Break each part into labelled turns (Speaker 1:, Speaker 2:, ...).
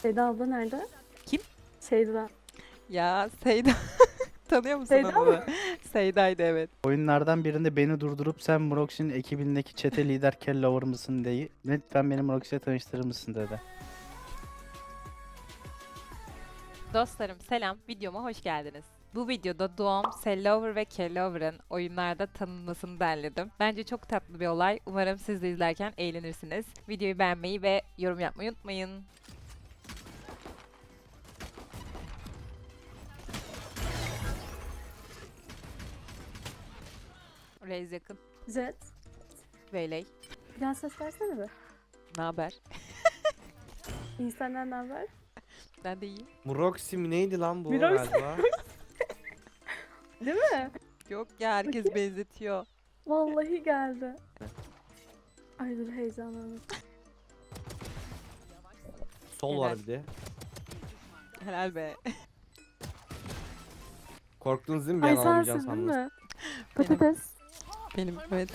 Speaker 1: Seyda abla nerede?
Speaker 2: Kim?
Speaker 1: Seyda.
Speaker 2: Ya Seyda. Tanıyor musun
Speaker 1: Seyda
Speaker 2: onu?
Speaker 1: mı?
Speaker 2: Seyda'ydı evet.
Speaker 3: Oyunlardan birinde beni durdurup sen Mroxy'nin ekibindeki çete lider Kellover mısın diye lütfen beni Mroxy'ye tanıştırır mısın dedi.
Speaker 2: Dostlarım selam, videoma hoş geldiniz. Bu videoda Doğum, Sellover ve Kellover'ın oyunlarda tanınmasını derledim. Bence çok tatlı bir olay. Umarım siz de izlerken eğlenirsiniz. Videoyu beğenmeyi ve yorum yapmayı unutmayın. Reis yakın.
Speaker 1: Jet.
Speaker 2: Veyley.
Speaker 1: Biraz ses versene be.
Speaker 2: Ne haber?
Speaker 1: İyi senden ne haber?
Speaker 2: Ben de iyiyim.
Speaker 4: Muroxy mi neydi lan bu
Speaker 1: Muroxy.
Speaker 4: galiba?
Speaker 1: Değil mi?
Speaker 2: Yok ya herkes benzetiyor.
Speaker 1: Vallahi geldi. Ay dur heyecanlandım.
Speaker 4: Sol var bir de.
Speaker 2: Helal be.
Speaker 4: Korktunuz değil mi?
Speaker 1: Ay
Speaker 4: Ben alamayacağım
Speaker 1: sensin değil
Speaker 4: sandınız.
Speaker 1: mi? Patates.
Speaker 2: Benim evet.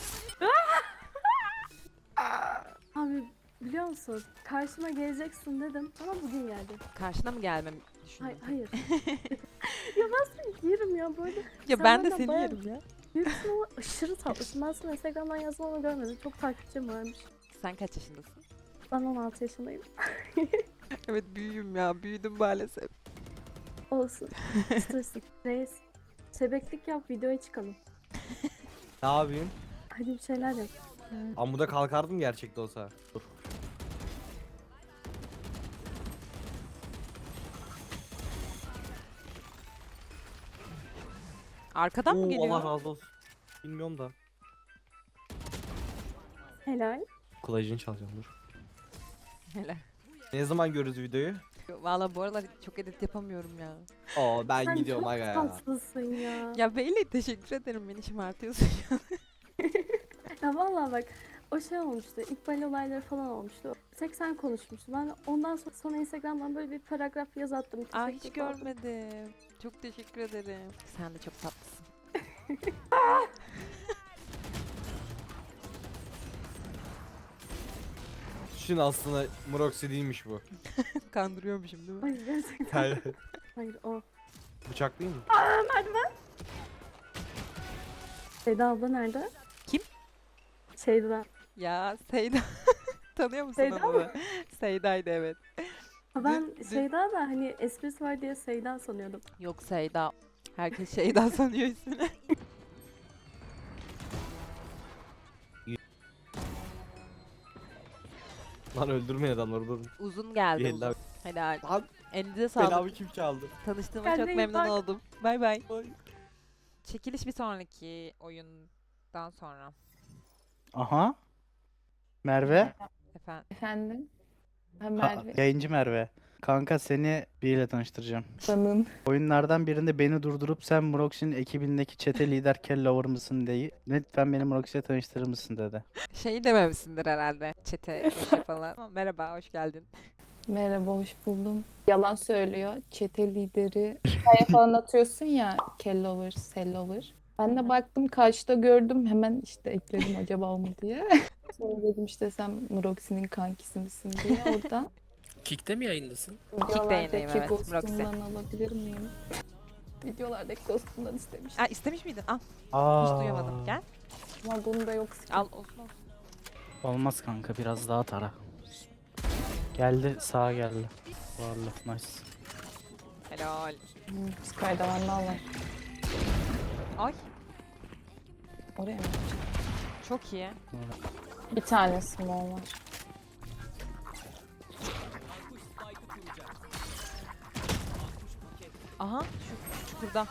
Speaker 1: Abi biliyor musun? Karşıma geleceksin dedim ama bugün geldi.
Speaker 2: Karşına mı gelmemi düşündün?
Speaker 1: Hayır. Ya ben seni yerim ya böyle.
Speaker 2: Ya
Speaker 1: Sen
Speaker 2: ben de
Speaker 1: benden
Speaker 2: seni
Speaker 1: bayağı-
Speaker 2: yerim ya.
Speaker 1: Büyüksün ama aşırı tatlısın. Ben sana Instagram'dan yazmanı görmedim. Çok takipçim varmış.
Speaker 2: Sen kaç yaşındasın?
Speaker 1: Ben 16 yaşındayım.
Speaker 2: Evet büyüğüm ya. Büyüdüm maalesef.
Speaker 1: Olsun. Stresim. Reis. Şebeklik yap videoya çıkalım.
Speaker 4: Ne yapayım?
Speaker 1: Hadi bir şeyler yap.
Speaker 4: Amuda kalkardım gerçekte olsa. Dur.
Speaker 2: Arkadan mı
Speaker 4: Oo,
Speaker 2: geliyor?
Speaker 4: Allah razı olsun. Bilmiyorum da.
Speaker 1: Helal.
Speaker 4: Kulacını çalacağım dur.
Speaker 2: Helal.
Speaker 4: Ne zaman görürüz videoyu?
Speaker 2: Valla bu aralar çok edit yapamıyorum ya.
Speaker 4: Oo ben
Speaker 1: Sen
Speaker 4: gidiyorum
Speaker 1: çok
Speaker 4: aga ya.
Speaker 1: tatlısın ya.
Speaker 2: Ya Beyle teşekkür ederim beni şımartıyorsun ya.
Speaker 1: Ya vallahi bak o şey olmuştu. İkbal olayları falan olmuştu. Tek sen konuşmuştun. Ben ondan sonra Instagram'dan böyle bir paragraf yaz attım.
Speaker 2: Ay hiç
Speaker 1: Teşekkür falan.
Speaker 2: görmedim. Çok teşekkür ederim. Sen de çok tatlısın.
Speaker 4: Şimdi aslında Muroxy değilmiş bu.
Speaker 2: Kandırıyormuşum değil mi?
Speaker 1: Hayır gerçekten.
Speaker 4: Hayır.
Speaker 1: Hayır o.
Speaker 4: Bıçak değil mi?
Speaker 1: Seyda abla nerede?
Speaker 2: Kim?
Speaker 1: Seyda.
Speaker 2: Ya Seyda. Tanıyor musun
Speaker 1: Seyda
Speaker 2: onu?
Speaker 1: mı?
Speaker 2: Seyda'ydı evet.
Speaker 1: Ha, ben
Speaker 2: Dün-
Speaker 1: Seyda da hani esprisi var diye Seyda sanıyordum.
Speaker 2: Yok Seyda. Herkes Şeyda sanıyor ismini.
Speaker 4: Lan öldürmeyin adamları dur.
Speaker 2: Uzun geldi
Speaker 4: Bir
Speaker 2: uzun.
Speaker 4: eller.
Speaker 2: Helal.
Speaker 4: Lan
Speaker 2: Elinize sağlık.
Speaker 4: belamı kim çaldı?
Speaker 2: Tanıştığıma
Speaker 1: Kendine
Speaker 2: çok
Speaker 1: iyi
Speaker 2: memnun
Speaker 1: bak.
Speaker 2: oldum. Bay bay.
Speaker 4: Ay.
Speaker 2: Çekiliş bir sonraki oyundan sonra.
Speaker 3: Aha. Merve.
Speaker 2: Efendim.
Speaker 5: Efendim? Ben
Speaker 3: Ha,
Speaker 5: Merve.
Speaker 3: yayıncı Merve. Kanka seni biriyle tanıştıracağım.
Speaker 5: Tanın.
Speaker 3: Oyunlardan birinde beni durdurup sen Mroxy'nin ekibindeki çete lider Kellover mısın diye lütfen beni Mroxy'ye tanıştırır mısın dedi.
Speaker 2: Şey dememişsindir herhalde. Çete falan. Ama merhaba, hoş geldin.
Speaker 5: Merhaba, hoş buldum. Yalan söylüyor. Çete lideri. Hikaye falan atıyorsun ya. Kellover, Sellover. Ben de baktım karşıda gördüm. Hemen işte ekledim acaba o mu diye. Sonra dedim işte sen Muroxy'nin kankisi misin diye oradan.
Speaker 6: Kick'te mi yayındasın?
Speaker 2: yayındayım, evet,
Speaker 5: Ghost'umdan alabilir miyim? Videolardaki ghost'umdan istemiştim.
Speaker 2: Aa, istemiş miydin? Al.
Speaker 3: Aa,
Speaker 2: Hiç duyamadım. Gel.
Speaker 5: Ama bunda yok.
Speaker 2: Al olsun olsun.
Speaker 3: Olmaz kanka biraz daha tara. Geldi sağa geldi. Varlık nice.
Speaker 2: Helal.
Speaker 5: Sky'da vandal var.
Speaker 2: Ay.
Speaker 5: Oraya mı?
Speaker 2: Çok iyi.
Speaker 5: Bir tane small var.
Speaker 2: Aha şu çukurda.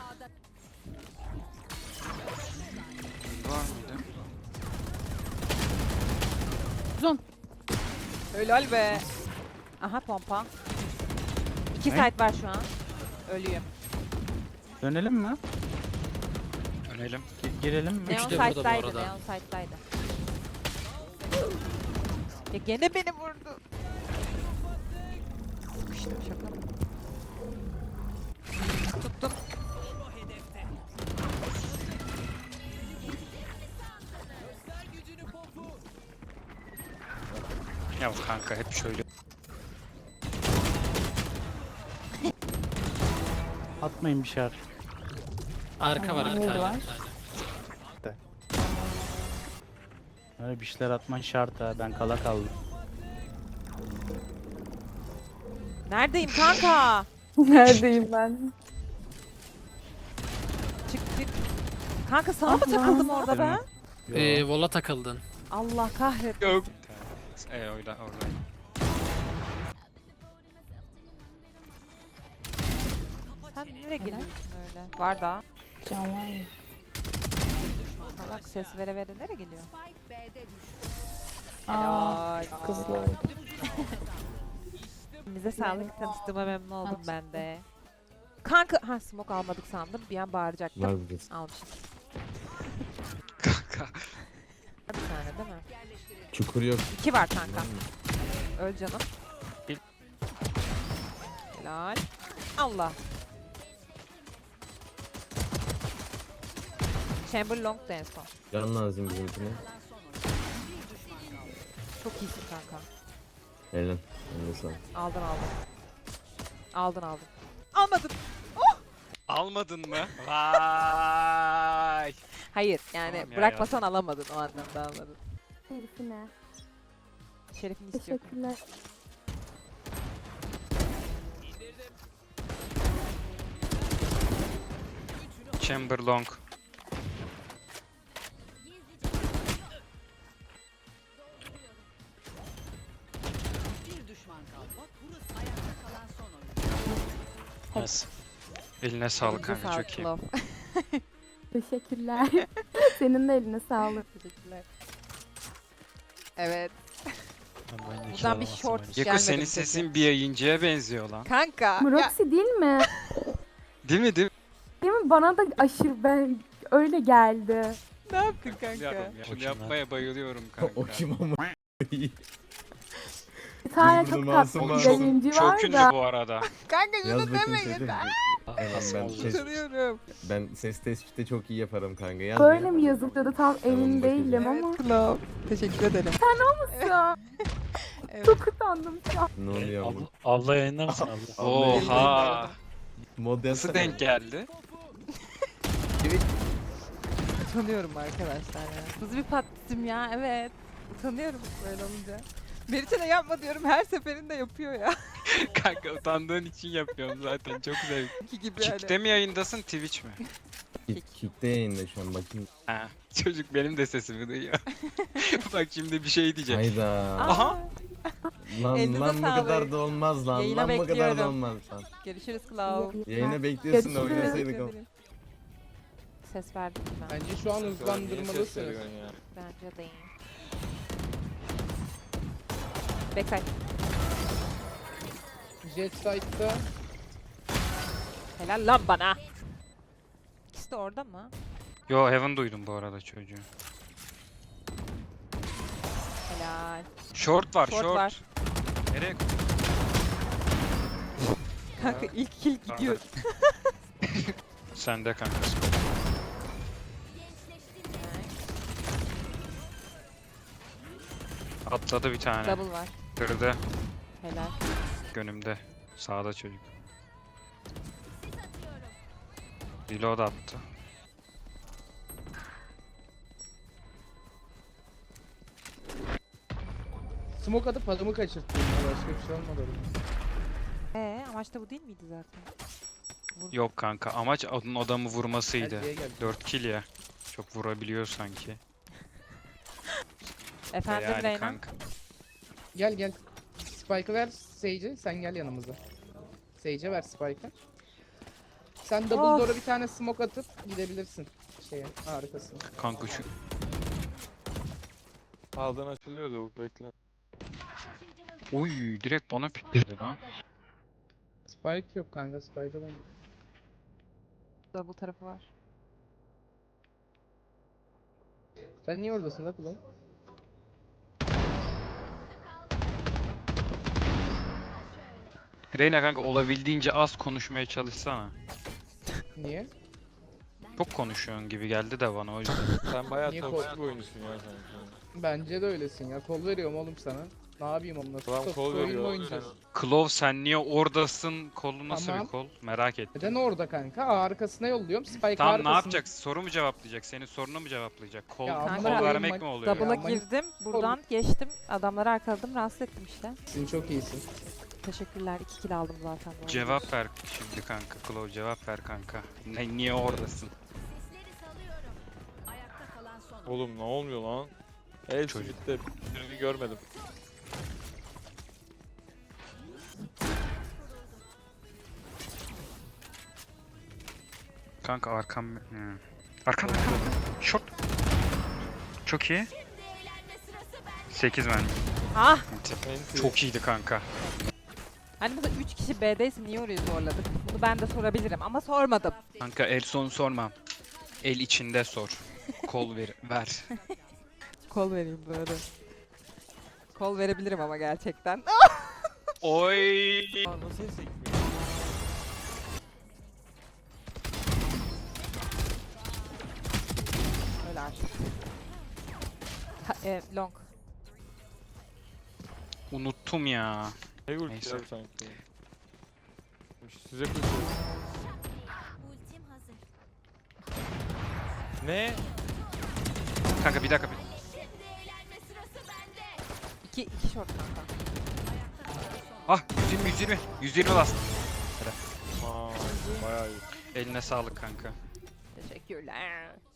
Speaker 2: Uzun. Helal be. Aha pompa. İki
Speaker 3: Ne?
Speaker 2: site var şu an. Ölüyüm.
Speaker 3: Dönelim mi?
Speaker 6: Önelim.
Speaker 3: Girelim mi?
Speaker 2: Neon
Speaker 6: de burada bu
Speaker 2: site'daydı.
Speaker 6: arada.
Speaker 2: Neon site'daydı. Ya gene beni vurdu. Sıkıştım şaka mı? Tuttum.
Speaker 6: Ya kanka hep şöyle.
Speaker 3: Atmayın bir şart.
Speaker 6: Arka var
Speaker 5: Mid
Speaker 6: arka.
Speaker 5: var.
Speaker 3: Öyle bir şeyler atman şart ha. Ben kala kaldım.
Speaker 2: Neredeyim kanka?
Speaker 5: Neredeyim ben?
Speaker 2: Çık çık. Kanka sana mı takıldım orada ben?
Speaker 6: Vola takıldın.
Speaker 2: Allah kahretsin.
Speaker 7: Yok. Orada.
Speaker 2: Sen nereye geliyorsun öyle? Var da.
Speaker 5: Can var ya.
Speaker 2: Salak ses vere vere nereye geliyor?
Speaker 5: Aa,
Speaker 2: Helal.
Speaker 5: kızlı oldu.
Speaker 2: Bize sağlık tanıştığıma memnun oldum ben de. Kanka, ha smoke almadık sandım. Bir an bağıracaktım.
Speaker 8: Var burası.
Speaker 2: Almışım.
Speaker 7: Kanka.
Speaker 2: Bir tane değil mi?
Speaker 8: Çukur yok.
Speaker 2: 2 var kanka. Öl canım.
Speaker 7: Bil.
Speaker 2: Helal. Allah. Chamber long da en son.
Speaker 8: Can lazım bizimkine.
Speaker 2: Çok iyisin kanka.
Speaker 8: Helal. Eline sağlık.
Speaker 2: Aldın. Aldın. Almadın.
Speaker 7: Almadın mı? Vay.
Speaker 2: Hayır yani
Speaker 7: Tamam ya,
Speaker 2: bırakmasan alamadın o anlamda almadın.
Speaker 1: Herifine.
Speaker 2: Şerefini istiyor.
Speaker 1: Teşekkürler.
Speaker 7: Chamber long. Nasıl? Eline sağlık
Speaker 2: Elinize
Speaker 7: kanka,
Speaker 2: sağlık,
Speaker 7: çok iyi.
Speaker 2: love.
Speaker 1: Teşekkürler. Senin de eline sağlık.
Speaker 2: Teşekkürler. Evet. Buradan bir short
Speaker 7: Yeko
Speaker 2: gelmedi
Speaker 7: senin
Speaker 2: mi
Speaker 7: sesin bir yayıncıya benziyor lan.
Speaker 2: Kanka. Ya,
Speaker 1: Mroxy değil mi?
Speaker 7: Değil mi değil mi?
Speaker 1: Değil mi? Bana da aşırı ben öyle geldi.
Speaker 2: ne yaptın kanka?
Speaker 7: Biliyorum ya. Şunu yapmaya bayılıyorum kanka.
Speaker 8: O kim ama?
Speaker 1: Bir tane
Speaker 8: Biz
Speaker 1: çok
Speaker 8: bunu
Speaker 1: tatlı
Speaker 8: masum
Speaker 1: bir
Speaker 8: masum.
Speaker 1: yayıncı
Speaker 7: Çok
Speaker 1: var
Speaker 7: ünlü
Speaker 1: da.
Speaker 7: bu arada.
Speaker 2: Kanka
Speaker 8: Yaz
Speaker 2: şunu
Speaker 8: bakayım
Speaker 2: deme
Speaker 8: sesi.
Speaker 2: yeter.
Speaker 7: Nasıl
Speaker 8: Ben ses tespitte çok iyi yaparım kanka. Yaz
Speaker 1: Böyle
Speaker 8: bir.
Speaker 1: mi yazılıyordu tam emin
Speaker 8: bakacağım.
Speaker 1: değilim ama.
Speaker 2: Love. Teşekkür ederim.
Speaker 1: Ya,
Speaker 2: Evet.
Speaker 1: çok utandım şu an.
Speaker 8: Ne oluyor ama?
Speaker 9: Abla yayınlar mısın abla?
Speaker 7: Oha.
Speaker 8: Mod
Speaker 7: Nasıl
Speaker 8: yazsana.
Speaker 7: denk geldi?
Speaker 2: Utanıyorum arkadaşlar ya. Hızlı bir patladım ya evet. Utanıyorum böyle olunca. Meriç'e de yapma diyorum her seferinde yapıyor ya.
Speaker 7: Kanka utandığın için yapıyorum zaten, çok zevkli.
Speaker 2: İki gibi
Speaker 7: Kick'te mi yayındasın, Twitch mi?
Speaker 8: Kick'te yayında şu an bakayım.
Speaker 7: Ha, çocuk benim de sesimi duyuyor. Bak şimdi bir şey diyecek.
Speaker 8: Hayda.
Speaker 7: Aha.
Speaker 8: Lan
Speaker 2: Elinize
Speaker 8: lan bu
Speaker 2: sağlık.
Speaker 8: kadar da olmaz lan.
Speaker 2: Yayına
Speaker 8: lan bu kadar da
Speaker 2: bekliyorum.
Speaker 8: olmaz lan.
Speaker 2: Görüşürüz Klav.
Speaker 8: Yayına bekliyorsun da
Speaker 1: Görüşürüz.
Speaker 8: oynasaydık ama.
Speaker 2: Ses verdim ben.
Speaker 10: Bence şu an hızlandırmalısınız.
Speaker 2: Bence de iyi. Backside.
Speaker 10: Jet Side'da
Speaker 2: Helal lan bana. İkisi de orada mı?
Speaker 7: Yo, Heaven duydum bu arada çocuğu.
Speaker 2: Helal.
Speaker 7: Short var,
Speaker 2: Short
Speaker 7: short.
Speaker 2: var.
Speaker 7: Nereye?
Speaker 2: Kanka ilk kill gidiyor.
Speaker 7: Sende kanka. Atladı bir tane.
Speaker 2: Double var.
Speaker 7: Kırdı.
Speaker 2: Helal.
Speaker 7: Önümde. Sağda çocuk. Reload attı.
Speaker 10: smoke atıp adamı kaçırttım ya, başka bir şey olmadı.
Speaker 2: Amaç da bu değil miydi zaten?
Speaker 7: Yok kanka, amaç onun adamı vurmasıydı.
Speaker 10: Erkeğe geldi.
Speaker 7: 4 kill ya. Çok vurabiliyor sanki.
Speaker 2: Efendim
Speaker 7: Yani
Speaker 2: Reyna.
Speaker 7: kanka.
Speaker 10: Gel gel. Spike'ı ver Sage'e, sen gel yanımıza. Sage'e ver Spike'ı. Sen double
Speaker 2: Of.
Speaker 10: door'a bir tane smoke atıp gidebilirsin şeye, harikasın.
Speaker 7: Kanka şu
Speaker 9: Sağdan açılıyordu bu bekle.
Speaker 7: Oy, direkt bana pikledi lan.
Speaker 10: Spike yok kanka, Spike'ı ben.
Speaker 2: Double tarafı var.
Speaker 10: Sen niye oradasın lan ulan?
Speaker 7: Reyna kanka, olabildiğince az konuşmaya çalışsana.
Speaker 10: Niye?
Speaker 7: Çok konuşuyorsun gibi geldi de bana o yüzden.
Speaker 9: Sen bayağı
Speaker 10: Niye
Speaker 9: toksik bir oyuncusun ya sen.
Speaker 10: Bence de öylesin ya. Kol veriyorum oğlum sana. Ne yapayım onunla?
Speaker 9: Adam
Speaker 10: Stop,
Speaker 9: kol
Speaker 10: oyun mu
Speaker 9: veriyor.
Speaker 10: oynayacağız?
Speaker 7: Klov sen niye oradasın? Kolu nasıl
Speaker 10: Tamam.
Speaker 7: bir kol? Merak ettim.
Speaker 10: Neden orada kanka? Arkasına yolluyorum. Spike
Speaker 7: Tamam
Speaker 10: arkasına.
Speaker 7: ne yapacak? Soru mu cevaplayacak? Senin sorunu mu cevaplayacak? Kol,
Speaker 10: Ya
Speaker 2: amına
Speaker 7: kol
Speaker 2: koyayım
Speaker 7: vermek
Speaker 10: bak-
Speaker 7: mi oluyor?
Speaker 2: Double'a
Speaker 10: Ya,
Speaker 2: girdim. Buradan geçtim. Adamları arkaladım. Rahatsız ettim işte.
Speaker 10: Sen çok iyisin.
Speaker 2: Teşekkürler. 2 kill aldım zaten. bu arada.
Speaker 7: Cevap ver şimdi kanka. Klov cevap ver kanka. Niye oradasın?
Speaker 9: Oğlum ne olmuyor lan? El
Speaker 7: Çocuk.
Speaker 9: Smith'te birini görmedim.
Speaker 7: Kanka arkam... Arkam arkam. Short. Çok iyi. 8 men.
Speaker 2: Ah!
Speaker 9: Enti.
Speaker 7: Çok iyiydi kanka.
Speaker 2: Hani burada 3 kişi B'deyse niye orayı zorladık? Bunu ben de sorabilirim ama sormadım.
Speaker 7: Kanka el sonu sormam. El içinde sor. Kol ver.
Speaker 2: Kol vereyim böyle. Kol verebilirim ama gerçekten.
Speaker 7: Oy.
Speaker 9: Nasıl sekmiyor?
Speaker 2: Öyle artık. Long.
Speaker 7: Unuttum ya.
Speaker 9: Ne ulti
Speaker 7: Neyse.
Speaker 9: ya sanki. Size koşuyor. Ne?
Speaker 7: Kanka bir dakika.
Speaker 2: 2 short kanka.
Speaker 7: Ah 120. 120 last.
Speaker 9: Aa, bayağı iyi.
Speaker 7: Eline sağlık kanka.
Speaker 2: Teşekkürler.